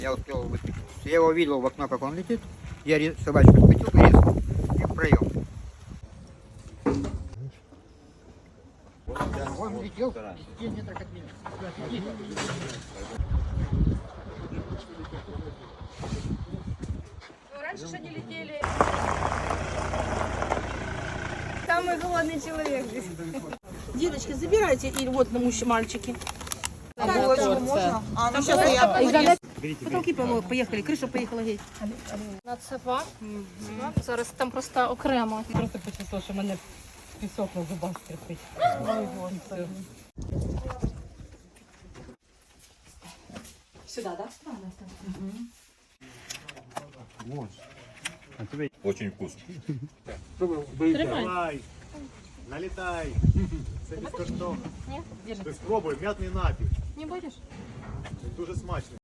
Я успел выскочить. Я его видел в окно, как он летит. Я собачку схватил резко и в проем. Он летел 10 метров от меня. Раньше же не летели. Самый голодный человек здесь. Девочки, забирайте и вот на мальчики. Можно? Там сейчас я... Потолки поїхали, криша поїхала геть. Нацева. Зараз там просто окремо. Просто почувствувала, що мене пісок на зубах скрипить. Сюди, так? Очень вкусно. Давай, налітай. Це безкоштовно. Ні? Ти спробуй, м'ятний напій. Не будеш? Дуже смачний.